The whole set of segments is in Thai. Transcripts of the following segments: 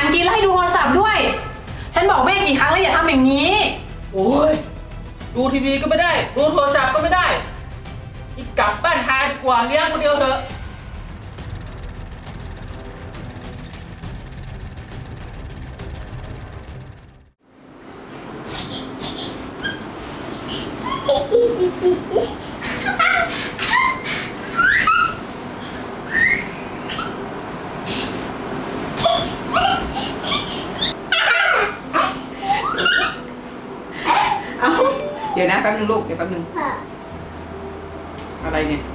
กินแล้วให้ดูโทรศัพท์ด้วยฉันบอกแม่กี่ครั้งแล้วอย่าทำอย่างนี้โอ้ยดูทีวีก็ไม่ได้ดูโทรศัพท์ก็ไม่ได้อีกกลับบ้านทายดีกว่าเลี้ยงคนเดียวเถอะเดี๋ยวนะแป๊บนึงลูกเดี๋ยวแป๊บนึงอะไรเนี่ย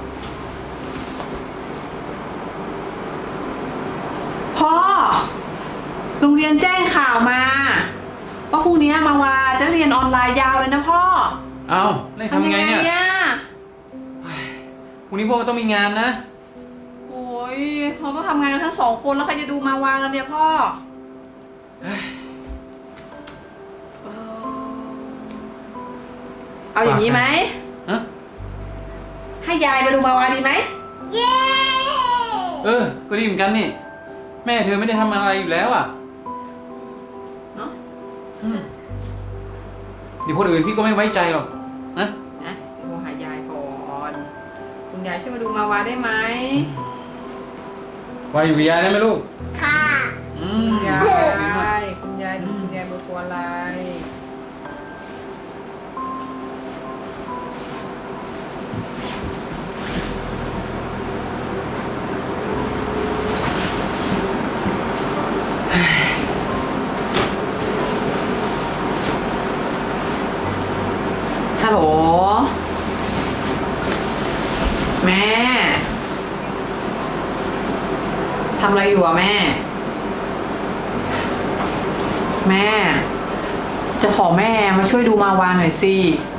พ่อโรงเรียนแจ้งข่าวมาว่าพรุ่งนี้มาวาจะเรียนออนไลน์ยาวเลยนะพ่อเอาแล้วทำไงเนี่ยพรุ่งนี้พวกเราต้องมีงานนะโอ้ยเราต้องทำงานกันทั้ง2 คนแล้วใครจะดูมาวากันเนี่ยพ่อเอาอย่างนี้ไหมให้ยายมาดูมาวาดีไหมเย้ก็ดีเหมือนกันนี่แม่เธอไม่ได้ทำอะไรอยู่แล้วอ่ะเนาะเดี๋ยวคนอื่นพี่ก็ไม่ไว้ใจหรอกนะเดี๋ยวโทรหายายก่อนคุณยายช่วยมาดูมาวาได้ไหมวาอยู่กับยายได้ไหมลูกค่ะคุณยายคุณยายเบอร์ตัวอะไรฮัลโหลแม่ทำอะไรอยู่อะแม่จะขอแม่มาช่วยดูมาวาหน่อยสิ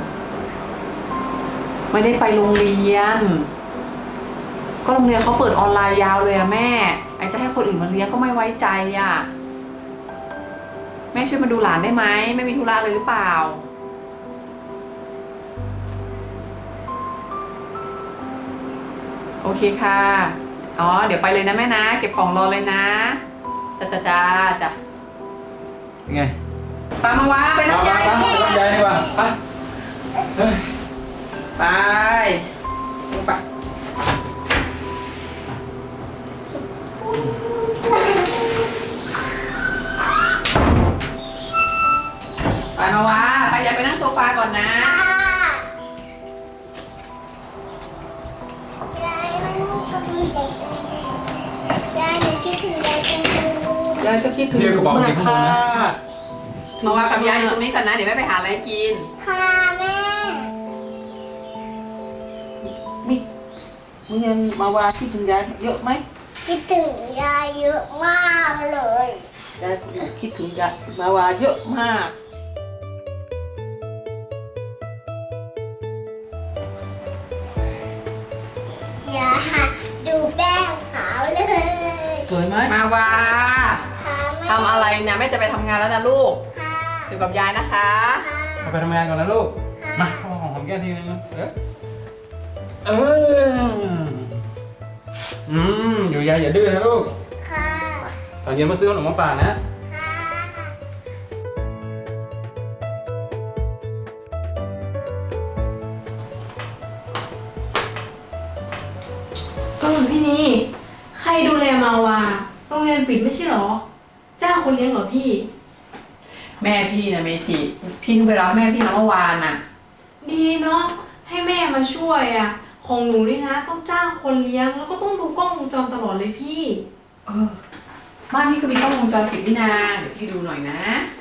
ไม่ได้ไปโรงเรียนก็โรงเรียนเขาเปิดออนไลน์ยาวเลยอะแม่ไอจะให้คนอื่นมาเลี้ยงก็ไม่ไว้ใจอะแม่ช่วยมาดูหลานได้ไหมไม่มีธุระเลยหรือเปล่าโอเคค่ะอ๋อเดี๋ยวไปเลยนะแม่นะเก็บของรอเลยนะจ้าเป็นไงปามาวาไปรับยายไปรับยายดีกว่าไปลงไปมาวาไปยายไปนั่งโซฟาก่อนนะยายก็คิดถึงกระบอกกินข้าวนะมาวากับยายอยู่ตรงนี้ก่อนนะเดี๋ยวแม่ไปหาอะไรกินค่ะแม่มึงยังมาวาคิดถึงยายเยอะไหมคิดถึงยายเยอะมากเลยยายคิดถึงยายมาวาเยอะมากอย่าดูแป้งขาวเลยสวยไหมมาวาทำอะไรเนี่ยแม่จะไปทำงานแล้วนะลูกอยู่กับยายนะคะไปทำงานก่อนนะลูกมาหอมแก้มทีนึงอยู่ยายอย่าดื้อนะลูกค่ะตอนเย็นมาซื้อขนมมาฝากนะพี่นี่ใครดูแลมาวาโรงเรียนปิดไม่ใช่หรอจ้างคนเลี้ยงเหรอพี่แม่พี่นะเมชิพี่เพิ่งไปรับแม่พี่มาเมื่อวานน่ะดีเนาะให้แม่มาช่วยอ่ะของหนูนี่นะต้องจ้างคนเลี้ยงแล้วก็ต้องดูกล้องวงจรตลอดเลยพี่บ้านพี่ก็มีกล้องวงจรปิดนี่นาเดี๋ยวพี่ดูหน่อยนะ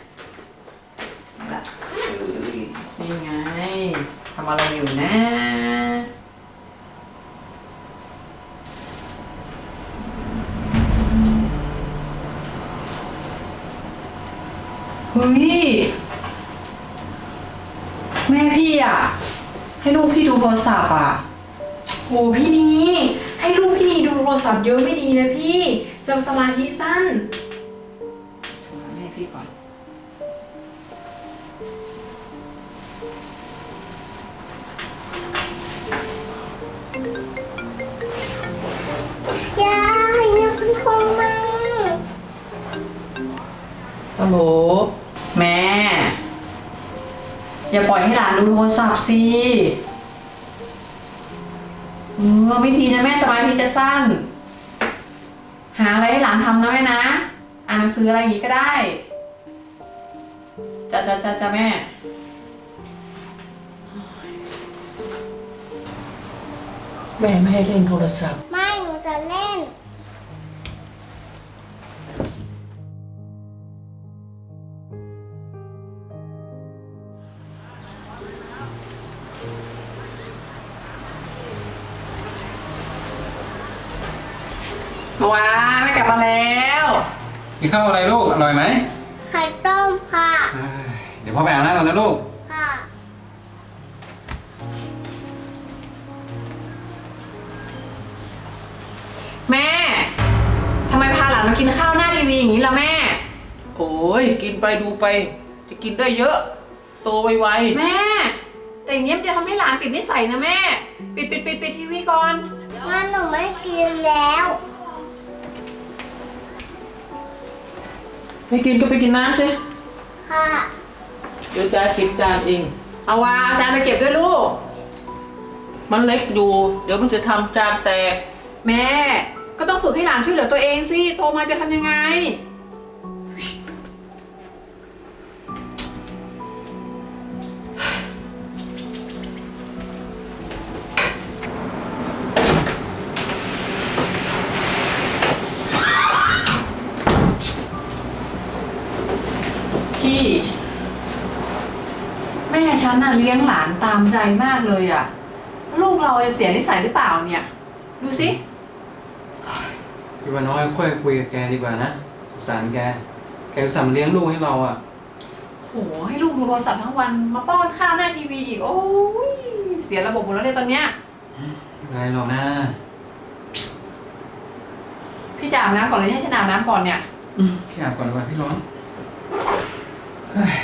นี่ไงทำอะไรอยู่นะเฮ้ยแม่พี่อ่ะให้ลูกพี่ดูโทรศัพท์อ่ะโหพี่นี่ให้ลูกพี่นี่ดูโทรศัพท์เยอะไม่ดีนะพี่จะสมาธิสั้นโทรหาแม่พี่ก่อนยายนักคงมาฮัลโหลแม่ อย่าปล่อยให้หลานดูโทรศัพท์สิไม่ดีนะแม่สมาธิจะสั้น หาอะไรให้หลานทำนะแม่นะ อ่านหนังสืออะไรอย่างงี้ก็ได้จ้าแม่แม่ไม่ให้เล่นโทรศัพท์ไม่หนูจะเล่นว้าแม่กลับมาแล้วกินข้าวอะไรลูก อร่อยไหมไข่ต้มค่ะเอ้ยเดี๋ยวพ่อไปอาบน้ำก่อนนะลูกค่ะแม่ทำไมพาหลานมากินข้าวหน้าทีวีอย่างนี้ล่ะแม่โอ้ยกินไปดูไป จะกินได้เยอะ โตไวแม่ แต่อย่างนี้มันจะทำให้หลานติดนิสัยนะแม่ ปิดทีวีก่อนงั้นหนูไม่กินแล้วๆไม่กินก็ไปกินน้ำสิค่ะเดี๋ยวจะเก็บจานเองเอาวาจานไปเก็บด้วยลูกมันเล็กอยู่ เดี๋ยวมันจะทำจานแตกแม่ก็ต้องฝึกให้หลานช่วยเหลือตัวเองสิโตมาจะทำยังไง พี่ แม่ฉันน่ะเลี้ยงหลานตามใจมากเลยอะลูกเราจะเสียนิสัยหรือเปล่าเนี่ย ดูสิพี่ว่าน้อยค่อยคุยกับแกดีกว่านะสงสารแก แกอุตส่าห์มาเลี้ยงลูกให้เราอ่ะโหให้ลูกดูโทรศัพท์ทั้งวันมาป้อนข้าวหน้าทีวีอีกโอ้ยเสียระบบหมดแล้วเนี่ยตอนเนี้ยไม่เป็นไรหรอกนะพี่จะอาบน้ำก่อนเลยให้ฉันอาบน้ำก่อนเนี่ยพี่อาบก่อนดีกว่าพี่ร้อนเฮ้ย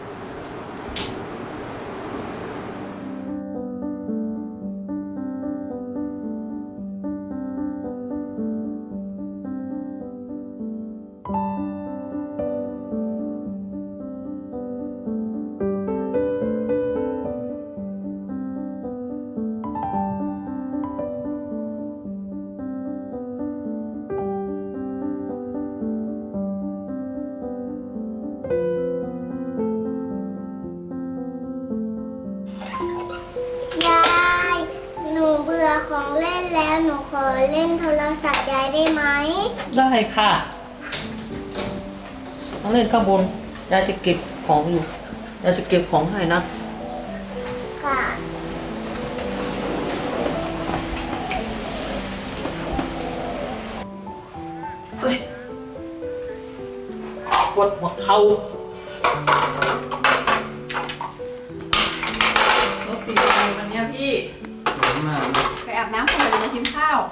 ยาย หนูเบื่อของเล่นแล้วหนูขอเล่นโทรศัพท์ยายได้ไหมได้ค่ะต้องเล่นข้างบนยายจะเก็บของอยู่ยายจะเก็บของให้นะค่ะเฮ้ยปวดหัวเข่ารถติดอะไรวันเนี้ยพี่ร้อนมากนะไปอาบน้ำก่อนเลยมากินข้าว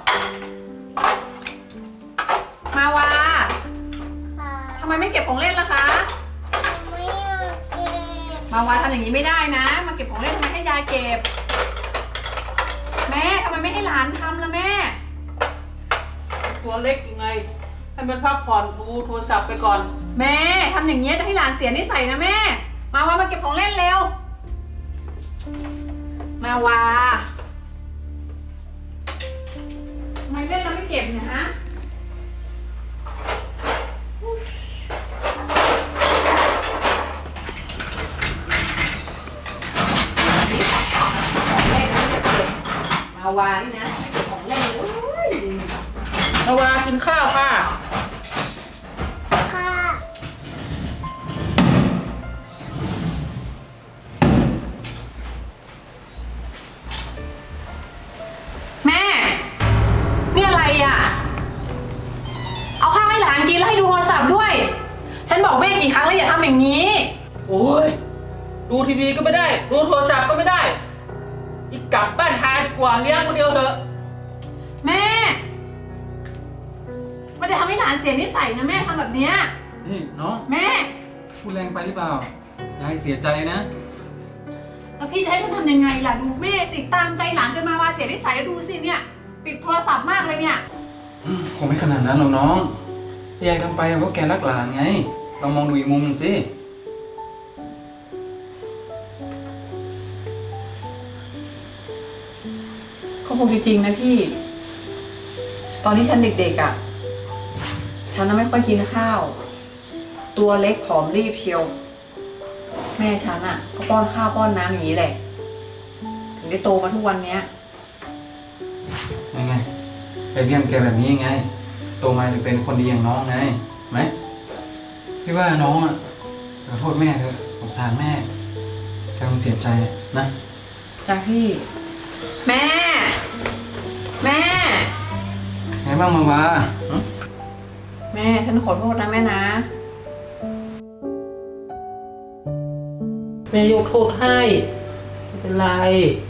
มาวาค่ะทำไมไม่เก็บของเล่นล่ะคะไม่อยากเก็บมาวาทำอย่างนี้ไม่ได้นะ มาเก็บของเล่นทำไมให้ยายเก็บ แม่ทำไมไม่ให้หลานทำล่ะแม่ตัวเล็กยังไง ให้มันพักผ่อนดูโทรศัพท์ไปก่อนแม่ทำอย่างนี้ยจะให้หลานเสียนิสัยนะแม่ มาวามาเก็บของเล่นเร็ว มาวาทำไมเล่นแล้วไม่เก็บเนี่ยฮะ มาวานี่นะไม่เก็บของเล่นเลยนาวากินข้าวค่ะค่ะแม่ นี่อะไรอ่ะ เอาข้าวให้หลานกินแล้วให้ดูโทรศัพท์ด้วย ฉันบอกแม่กี่ครั้งแล้วอย่าทำอย่างนี้โอ้ยดูทีวีก็ไม่ได้ ดูโทรศัพท์ก็ไม่ได้ อีกกลับบ้านทาดีกว่าเลี้ยงคนเดียวเถอะแม่ มันจะทำให้หลานเสียนิสัยนะแม่ทำแบบเนี้ยนี่น้องแม่พูดแรงไปหรือเปล่า ยายเสียใจนะแล้วพี่จะให้ฉันทำยังไงล่ะดูแม่สิตามใจหลานจนมาวาเสียนิสัยแล้วดูสิเนี่ยปิดโทรศัพท์มากเลยเนี่ยคงไม่ขนาดนั้นหรอกน้อง ยายทำไปเพราะแกรักหลานไงลองมองดูอีกมุมหนึงสิก็คงจริงๆนะพี่ ตอนที่ฉันเด็กๆอ่ะ ฉันน่ะไม่ค่อยกินข้าว ตัวเล็กผอมรีบเชียว แม่ฉันอ่ะ ก็ป้อนข้าวป้อนน้ำอย่างนี้แหละ ถึงได้โตมาทุกวันเนี้ยยังไงไปเลี้ยงแกแบบนี้ยังไง โตมาจะเป็นคนดีอย่างน้องไงไหมพี่ว่าน้องอ่ะขอโทษแม่เถอะสงสารแม่แกคงเสียใจนะจ้ะพี่ แม่ แม่ไงบ้างมาวาหึแม่ฉันขอโทษนะแม่นะแม่ยกโทษให้ ไม่เป็นไร